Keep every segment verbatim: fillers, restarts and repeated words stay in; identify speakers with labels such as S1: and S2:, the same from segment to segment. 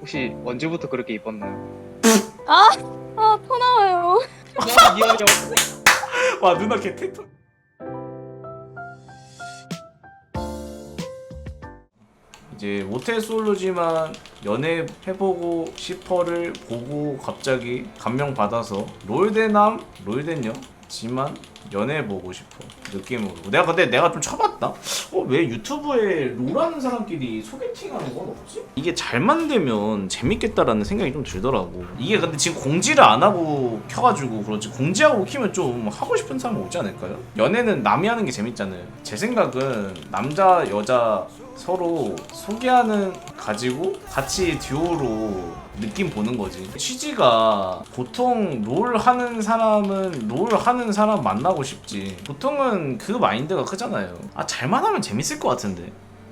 S1: 혹시 언제부터 그렇게 입었나요?
S2: 아, 아, 토 나와요.
S1: 미안해요.
S3: 와 누나 걔 테토. 이제 모태 솔로지만 연애 해보고 싶어를 보고 갑자기 감명 받아서 롤대남 롤대녀 지만 연애해보고 싶어 느낌으로. 내가 근데 내가 좀 쳐봤다. 어, 왜 유튜브에 롤하는 사람끼리 소개팅하는 건 없지? 이게 잘 만들면 재밌겠다라는 생각이 좀 들더라고. 이게 근데 지금 공지를 안 하고 켜가지고 그렇지, 공지하고 키면 좀 하고 싶은 사람 오지 않을까요? 연애는 남이 하는 게 재밌잖아요. 제 생각은 남자 여자 서로 소개하는 가지고 같이 듀오로 느낌 보는 거지. 취지가 보통 롤 하는 사람은 롤 하는 사람 만나고 싶지. 보통은 그 마인드가 크잖아요. 아 잘만 하면 재밌을 것 같은데.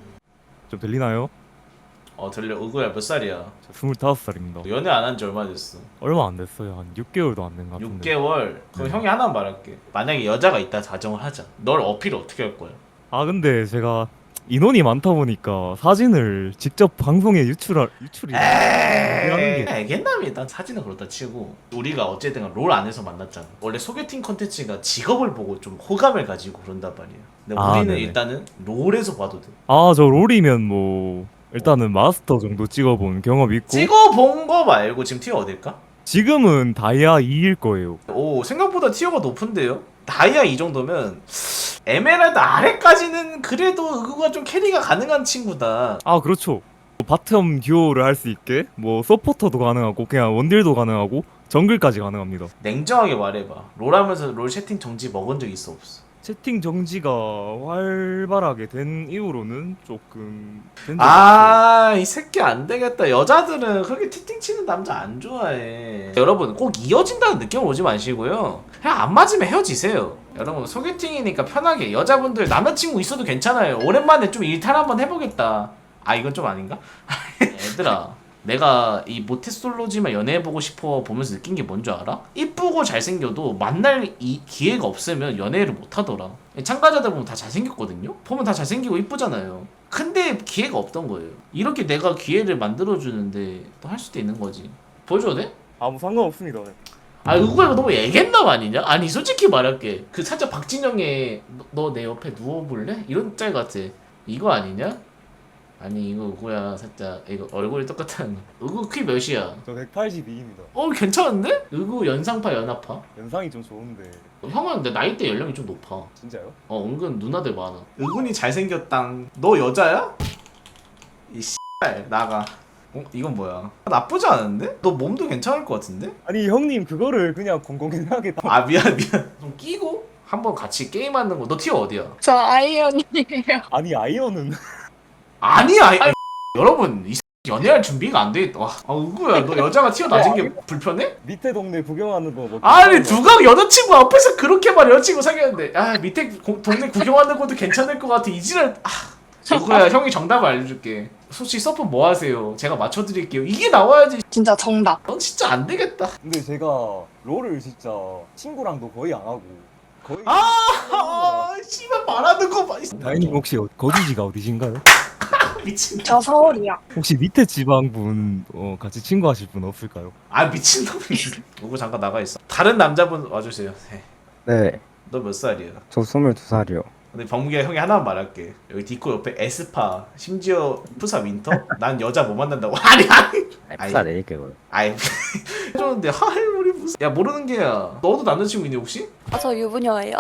S4: 좀 들리나요?
S3: 어 들려. 의구야 몇 살이야?
S4: 저 스물다섯 살입니다.
S3: 연애 안 한 지 얼마 됐어?
S4: 얼마 안 됐어요. 한 육 개월도 안 된 것 같은데.
S3: 육 개월? 그럼
S4: 네.
S3: 형이 하나만 말할게. 만약에 여자가 있다 가정을 하자. 널 어필을 어떻게 할 거야?
S4: 아 근데 제가 인원이 많다 보니까 사진을 직접 방송에 유출할 유출이 하는
S3: 에이,
S4: 게
S3: 알겠답니다. 사진은 그렇다 치고 우리가 어쨌든 롤 안에서 만났잖아. 원래 소개팅 컨텐츠가 직업을 보고 좀 호감을 가지고 그런단 말이야. 근데
S4: 아,
S3: 우리는
S4: 네네.
S3: 일단은 롤에서 봐도 돼.
S4: 아 저 롤이면 뭐 일단은 마스터 정도 찍어본 경험이 있고
S3: 찍어본 거 말고 지금 티어 어딜까?
S4: 지금은 다이아 이일 거예요.
S3: 오 생각보다 티어가 높은데요? 다이아 이 정도면 에메랄드 아래까지는 그래도 그거가 좀 캐리가 가능한 친구다.
S4: 아 그렇죠. 바텀 듀오를 할 수 있게 뭐 서포터도 가능하고 그냥 원딜도 가능하고 정글까지 가능합니다.
S3: 냉정하게 말해봐. 롤하면서 롤 채팅 정지 먹은 적 있어 없어?
S4: 채팅 정지가 활발하게 된 이후로는 조금 된 적이
S3: 아, 이 새끼 안 되겠다. 여자들은 그렇게 티팅 치는 남자 안 좋아해. 여러분, 꼭 이어진다는 느낌 오지 마시고요. 그냥 안 맞으면 헤어지세요. 여러분, 소개팅이니까 편하게. 여자분들 남자친구 있어도 괜찮아요. 오랜만에 좀 일탈 한번 해보겠다. 아, 이건 좀 아닌가? 얘들아. 내가 이 모태솔로지만 연애해보고 싶어 보면서 느낀 게 뭔 줄 알아? 이쁘고 잘생겨도 만날 이 기회가 없으면 연애를 못하더라. 참가자들 보면 다 잘생겼거든요? 보면 다 잘생기고 이쁘잖아요. 근데 기회가 없던 거예요. 이렇게 내가 기회를 만들어주는데 또 할 수도 있는 거지. 보여줘도 돼?
S4: 아무 상관없습니다.
S3: 아 이거 이거 너무 애견남 아니냐? 아니 솔직히 말할게. 그 살짝 박진영의 너 내 옆에 누워볼래? 이런 짤 같아. 이거 아니냐? 아니 이거 누구야 살짝 이거 얼굴이 똑같은 의구 키 몇이야?
S4: 저 백팔십이입니다.
S3: 어 괜찮은데? 의구 연상파 연하파?
S4: 연상이 좀 좋은데
S3: 형은 근데 나이대 연령이 좀 높아.
S4: 진짜요?
S3: 어 은근 누나들 많아. 의군이 잘생겼당. 너 여자야? 이 씨발 나가. 어 이건 뭐야? 나쁘지 않은데? 너 몸도 괜찮을 것 같은데?
S4: 아니 형님 그거를 그냥 공공연하게 다...
S3: 아 미안 미안. 좀 끼고 한번 같이 게임하는 거. 너 티어 어디야?
S2: 저 아이언이에요.
S4: 아니 아이언은
S3: 아니야. 아니, 여러분 이 새끼 연애할 준비가 안 돼 있다. 와, 아 의구야 너 여자가 티어 낮은 게 불편해?
S4: 밑에 동네 구경하는 거뭐
S3: 아니 누가 여자친구 앞에서 그렇게 말해. 여자친구 사귀었는데 아 밑에 고, 동네 구경하는 것도 괜찮을 것 같아. 이지랄. 아 누구야 형이 정답을 알려줄게. 솔직히 서프 뭐 하세요? 제가 맞춰드릴게요. 이게 나와야지.
S2: 진짜 정답.
S3: 넌 진짜 안 되겠다.
S5: 근데 제가 롤을 진짜 친구랑도 거의 안 하고 거의
S3: 아, 아 씨발 말하는 거 봐.
S4: 다인님 혹시 어- 거주지가 어디신가요?
S3: 미친.
S2: 저 서울이요.
S4: 혹시 밑에 지방분 어, 같이 친구하실 분 없을까요?
S3: 아 미친놈이네. 누구 잠깐 나가 있어. 다른 남자분 와주세요. 네.
S6: 네,
S3: 너 몇 살이야?
S6: 저 스물두 살이요.
S3: 근데 범규야 형이 하나만 말할게. 여기 디코 옆에 에스파 심지어 푸사 윈터? 난 여자 못 만난다고. 아니 아니.
S6: 푸사 내릴게요.
S3: 아이 해줬는데 하이 우리 무슨 야 모르는 게야. 너도 남자친구 있니 혹시?
S7: 아, 저 유부녀예요.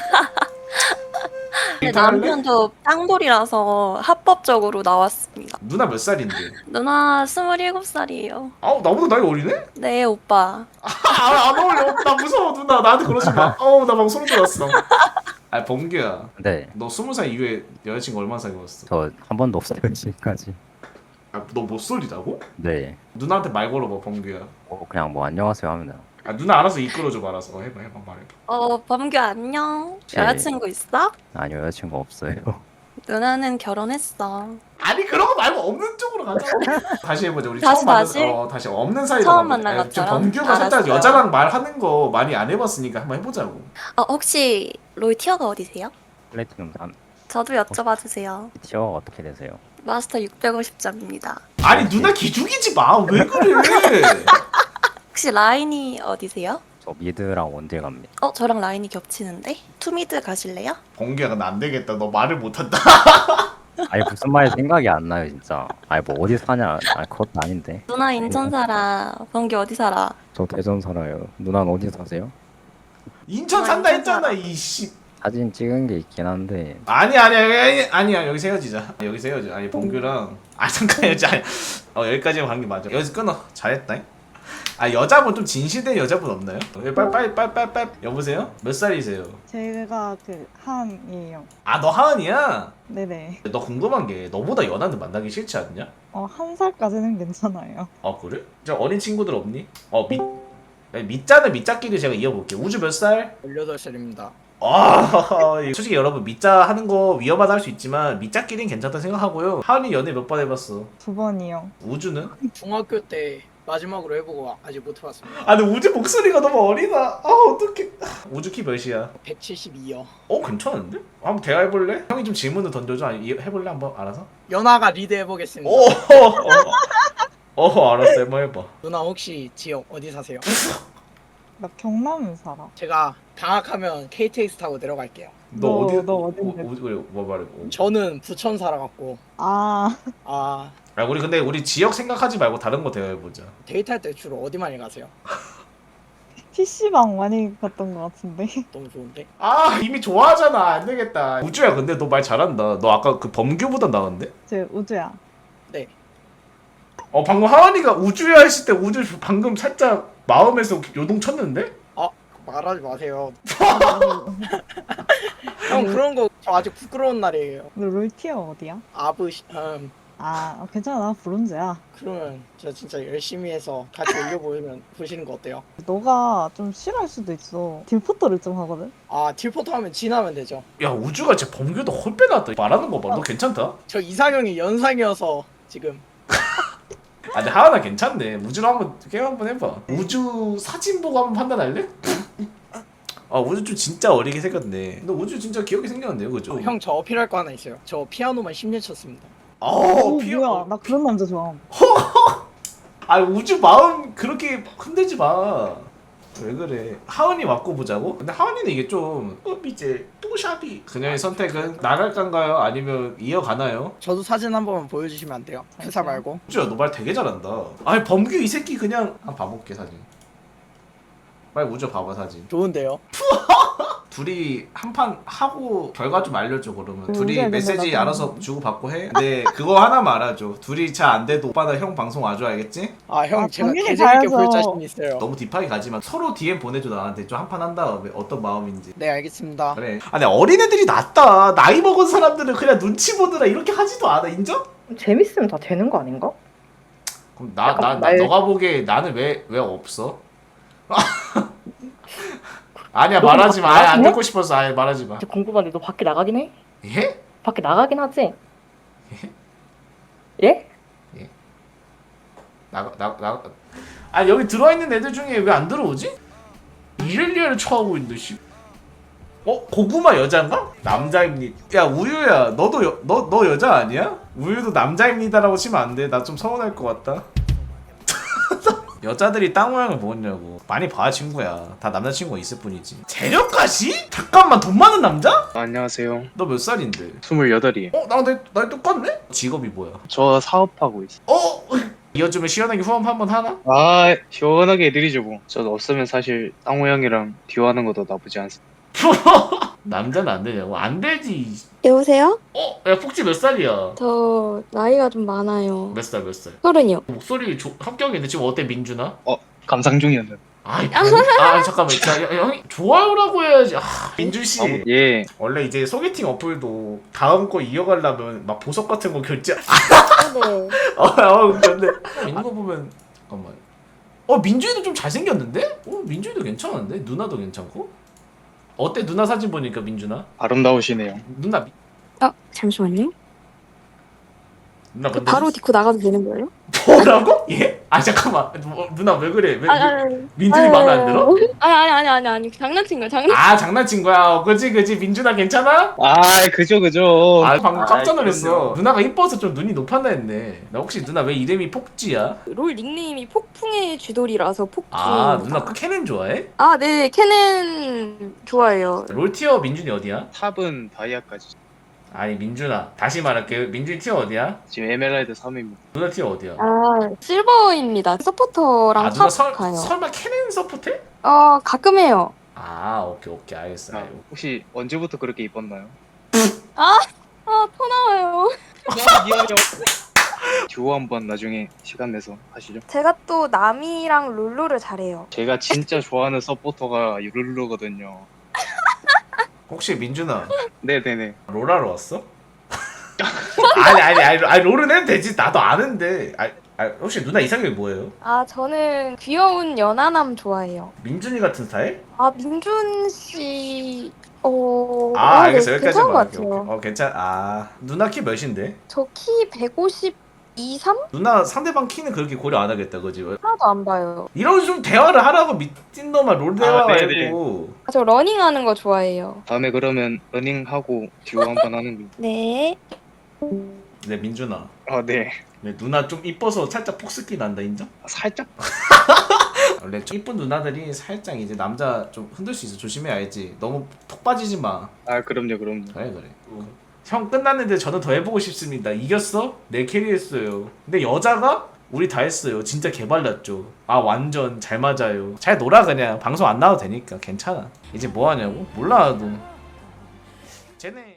S7: 근데
S3: 일탈 할래?
S7: 남편도 땅돌이라서 합법적으로 나왔습니다.
S3: 누나 몇 살인데?
S7: 누나 스물일곱 살이에요.
S3: 아우 나보다 나이 어리네?
S7: 네, 오빠.
S3: 아안 어울려. 나 무서워 누나. 나한테 그러지 마. 어우 나 방금 소름 돋았어. 아 범규야.
S6: 네,
S3: 너 스무 살 이후에 여자친구 얼마나 사귀었어?
S6: 저 한 번도 없어요 지금까지.
S3: 아 너 못소리라고?
S6: 네,
S3: 누나한테 말 걸어봐 범규야.
S6: 어, 그냥 뭐 안녕하세요 하면 돼요.
S3: 아 누나 알아서 이끌어줘 말아서. 어, 해봐 해봐 말해봐.
S7: 어, 범규 안녕.
S6: 네.
S7: 여자친구 있어?
S6: 아니요, 여자친구 없어요.
S7: 누나는 결혼했어.
S3: 아니 그런 거 말고 없는 쪽으로 가자. 다시 해보자. 우리
S7: 다시,
S3: 처음 만난
S7: 다시?
S3: 어 다시 없는 사이로
S7: 처음
S3: 가보자.
S7: 만난
S3: 아, 지금
S7: 것처럼?
S3: 범규가 살짝
S7: 알았어요.
S3: 여자랑 말하는 거 많이 안 해봤으니까 한번 해보자고.
S7: 어, 혹시 롤 티어가 어디세요?
S6: 플래티넘 삼.
S7: 저도 여쭤봐 주세요.
S6: 티어가 어떻게 되세요?
S7: 마스터 육백오십 점입니다.
S3: 아니 누나 기죽이지 마. 왜 그래?
S7: 혹시 라인이 어디세요?
S6: 저 미드랑 원딜 갑니다.
S7: 어, 저랑 라인이 겹치는데? 투미드 가실래요?
S3: 번개가 나 안 되겠다. 너 말을 못한다.
S6: 아니 무슨 말이 생각이 안 나요 진짜. 아니 뭐 어디 사냐. 아니 그것도 아닌데.
S7: 누나 인천 살아. 번개 어디 살아?
S6: 저 대전 살아요. 누나는 어디 사세요?
S3: 인천 산다 했잖아. 이씨.
S6: 사진 찍은 게 있긴 한데
S3: 아니 아니 아니 아니야. 여기서 헤어지자. 여기서 헤어져. 아니 봉규랑 아 잠깐 헤어져. 아니, 어 여기까지만 간 게 맞아. 여기서 끊어. 잘했다. 아 여자분 좀 진실된 여자분 없나요? 빨리 빨리 빨리 빨리 빨리 여보세요? 몇 살이세요?
S8: 제가 그 한이에요.
S3: 아 너 하은이야?
S8: 네네.
S3: 너 궁금한 게 너보다 연하는 만나기 싫지 않냐?
S8: 어, 한 살까지는 괜찮아요.
S3: 아 그래? 저 어린 친구들 없니? 어 밑... 밑자는 밑자끼리 제가 이어볼게요. 우주 몇 살?
S9: 열여덟 살입니다.
S3: 아 솔직히 여러분 밑자 하는 거 위험하다 할 수 있지만 밑자끼리는 괜찮다 생각하고요. 하은이 연애 몇 번 해봤어?
S8: 두 번이요.
S3: 우주는?
S9: 중학교 때 마지막으로 해보고 아직 못 해봤습니다.
S3: 아 근데 우주 목소리가 너무 어리다. 아 어떡해. 우주 키 몇이야?
S9: 백칠십이요.
S3: 어 괜찮은데? 한번 대화해볼래? 형이 좀 질문을 던져줘. 아니 이- 해볼래 한번 알아서?
S9: 연아가 리드 해보겠습니다.
S3: 오 어, 어 알았어 한번 해봐.
S9: 누나 혹시 지역 어디 사세요?
S8: 나 경남에 살아.
S9: 제가 방학하면 케이티엑스 타고 내려갈게요.
S3: 너,
S8: 너-
S3: 어디?
S8: 너 어딘데?
S3: 어, 어, 뭐 말해? 어.
S9: 저는 부천 살아갖고
S8: 아,
S9: 아
S3: 아 우리 근데 우리 지역 생각하지 말고 다른 거 대화해보자.
S9: 데이트할 때 주로 어디 많이 가세요?
S8: 피시방 많이 갔던 것 같은데.
S9: 너무 좋은데?
S3: 아 이미 좋아하잖아. 안 되겠다. 우주야 근데 너 말 잘한다. 너 아까 그 범규보다 나은데?
S8: 제 우주야.
S9: 네.
S3: 어 방금 하은이가 우주야 했을 때 우주 방금 살짝 마음에서 요동 쳤는데?
S9: 말하지 마세요. 형 그런 거 저 아직 부끄러운 날이에요.
S8: 너 롤티어 어디야?
S9: 아브 시- 음,
S8: 아, 어, 괜찮아. 나 브론즈야.
S9: 그러면 저 진짜 열심히 해서 같이 올려보면 보시는 거 어때요?
S8: 너가 좀 싫어할 수도 있어. 딜포터를 좀 하거든?
S9: 아 딜포터 하면 진하면 되죠.
S3: 야 우주가 진짜 범규도 헐 빼놨다. 말하는 거 봐. 너 괜찮다?
S9: 저 이상형이 연상이어서 지금
S3: 아 근데 하은아 괜찮네. 우주로 한번 게임 한번 해봐. 우주 사진 보고 한번 판단할래? 아 우주 좀 진짜 어리게 생겼네. 너 우주 진짜 귀엽게 생겼는데요, 그죠?
S9: 형 저 어필할 거 하나 있어요. 저 피아노만 십 년 쳤습니다.
S3: 어,
S8: 오,
S3: 피어.
S8: 뭐야. 나 그런 남자 좋아함.
S3: 아 우주 마음 그렇게 흔들지 마. 왜 그래? 하은이 맞고 보자고? 근데 하은이는 이게 좀 어, 이제 또샵이 그녀의 선택은 나갈까요? 아니면 이어가나요?
S9: 저도 사진 한 번만 보여주시면 안 돼요? 회사 말고.
S3: 우주야 너 말 되게 잘한다. 아니 범규 이 새끼 그냥 한번 봐볼게 사진. 빨리 우주 봐봐 사진.
S9: 좋은데요?
S3: 둘이 한 판 하고 결과 좀 알려줘 그러면.
S8: 음,
S3: 둘이
S8: 그래,
S3: 메시지
S8: 나도.
S3: 알아서 주고 받고 해. 근데 그거 하나만 알아줘. 둘이 잘 안 돼도 오빠나 형 방송 와줘 알겠지?
S9: 아 형
S8: 아,
S9: 제가
S8: 당연히
S9: 개재밌게 볼
S8: 가야죠.
S9: 자신 있어요.
S3: 너무 딥하게 가지만 서로 디엠 보내줘 나한테 좀 한 판 한 다음에 어떤 마음인지.
S9: 네 알겠습니다.
S3: 그래. 아니 어린애들이 낫다. 나이 먹은 사람들은 그냥 눈치 보느라 이렇게 하지도 않아. 인정?
S10: 재밌으면 다 되는 거 아닌가?
S3: 그럼 나 나 나
S10: 약간 말-
S3: 너가 보기에 나는 왜 왜 없어? 아니야
S10: 너무
S3: 말하지 마.
S10: 막
S3: 아예 안
S10: 나가냐?
S3: 듣고 싶어서 아예 말하지 마.
S10: 진짜 궁금한데 너 밖에 나가긴 해?
S3: 예?
S10: 밖에 나가긴 하지? 예?
S3: 나가 나 나. 아 여기 들어와 있는 애들 중에 왜 안 들어오지? 이렐리아를 처하고 있는데 씨. 어 고구마 여자인가? 남자입니다. 야 우유야 너도 여, 너, 너 여자 아니야? 우유도 남자입니다라고 치면 안 돼. 나 좀 서운할 것 같다. 여자들이 땅 모양을 뭐냐고. 많이 봐 친구야. 다 남자친구가 있을 뿐이지. 재력가시? 잠깐만 돈 많은 남자?
S1: 안녕하세요.
S3: 너 몇 살인데?
S1: 스물여덟이에요.
S3: 어? 나랑 나이, 나이 똑같네? 직업이 뭐야?
S1: 저 사업하고 있어요.
S3: 어? 이어주면 시원하게 후원 한번 하나?
S1: 아, 시원하게 해드리죠 뭐. 저 없으면 사실 땅호 형이랑 듀오하는 것도 나쁘지 않습니다.
S3: 남자는 안 되냐고? 안 되지.
S2: 여보세요?
S3: 어? 야 폭지 몇 살이야?
S2: 저 나이가 좀 많아요.
S3: 몇 살 몇 살?
S2: 서른이요.
S3: 목소리 조, 합격인데 지금 어때 민준아?
S1: 감상 중이었는데.
S3: 아이 아, 아 잠깐만 자, 야, 형이 좋아요라고 해야지. 아, 민준 씨
S1: 아, 예.
S3: 원래 이제 소개팅 어플도 다음 거 이어가려면 막 보석 같은 거 결제
S2: 네.
S3: 어, 어 근데 있는 거 보면 잠깐만 어 민준이도 좀 잘생겼는데? 어 민준이도 괜찮은데? 누나도 괜찮고? 어때 누나 사진 보니까 민준아?
S1: 아름다우시네요.
S3: 누나 미-
S2: 어, 잠시만요.
S3: 누나 근데
S2: 바로 딛고 나가도 되는 거예요?
S3: 뭐라고? 예? 아 잠깐만 뭐, 누나 왜 그래? 왜,
S2: 아니,
S3: 왜
S2: 아니,
S3: 민준이 마음에 안 들어?
S2: 아니, 아니, 아니, 아니, 아니, 장난친 거야, 장난.
S3: 아 장난친 거야. 어, 그지 그지 민준아 괜찮아?
S1: 아 그죠 그죠.
S3: 아 방금 깜짝
S1: 아이,
S3: 놀랐어.
S1: 그럼요.
S3: 누나가 이뻐서 좀 눈이 높았나 했네. 나 혹시 누나 왜 이름이 폭지야?
S2: 롤 닉네임이 폭풍의 쥐돌이라서 폭풍.
S3: 아 누나 캐넨 좋아해?
S2: 아, 네, 캐넨 좋아해요.
S3: 롤티어 민준이 어디야?
S1: 탑은 다이아까지.
S3: 아니 민준아 다시 말할게. 민준이 티어 어디야?
S1: 지금 에메랄드 삼입니다.
S3: 누나 티어 어디야?
S2: 아, 실버입니다. 서포터랑
S3: 아 누나
S2: 탑
S3: 설,
S2: 가요.
S3: 설마 캐넨 서포트해?
S2: 어, 가끔 해요.
S3: 아 오케이 오케이 알겠어.
S1: 아,
S3: 알겠어.
S1: 혹시 언제부터 그렇게 입었나요?
S2: 아, 토 나와요.
S1: 미안해요. 듀오 한번 나중에 시간 내서 하시죠.
S2: 제가 또 나미랑 룰루를 잘해요.
S1: 제가 진짜 좋아하는 서포터가 룰루거든요.
S3: 혹시 민준아
S1: 네네네.
S3: 롤하러 왔어? 아니 아니 아니 아니 롤은 해도 되지. 나도 아는데. 아, 아 혹시 누나 이상형이 뭐예요?
S2: 아, 저는 귀여운 연하남 좋아해요.
S3: 민준이 같은 스타일?
S2: 아, 민준 씨, 어,
S3: 아
S2: 어, 네,
S3: 알겠어 여기까지
S2: 괜찮은 것
S3: 말할게.
S2: 같아요.
S3: 오케이. 어 괜찮. 아 누나 키 몇인데?
S2: 저 키 백오십이, 삼?
S3: 누나 상대방 키는 그렇게 고려 안 하겠다 그지?
S2: 하나도 안 봐요.
S3: 이런 좀 대화를 하라고 미친 놈아 롤 대화
S1: 아, 네네.
S3: 말고.
S2: 아, 저 러닝하는 거 좋아해요.
S1: 다음에 그러면 러닝하고 듀오 한번 하는 거.
S2: 네.
S3: 네 민준아.
S1: 아 네.
S3: 네, 누나 좀 이뻐서 살짝 폭스키 난다 인정?
S1: 아, 살짝.
S3: 원래 좀 이쁜 누나들이 살짝 이제 남자 좀 흔들 수 있어. 조심해 알지? 너무 톡 빠지지 마.
S1: 아 그럼요 그럼요.
S3: 그래 그래. 형 끝났는데 저는 더 해보고 싶습니다. 이겼어? 내 캐리했어요. 근데 여자가 우리 다 했어요. 진짜 개발랐죠. 아 완전 잘 맞아요. 잘 놀아 그냥. 방송 안 나와도 되니까 괜찮아. 이제 뭐 하냐고? 몰라 너. 쟤네.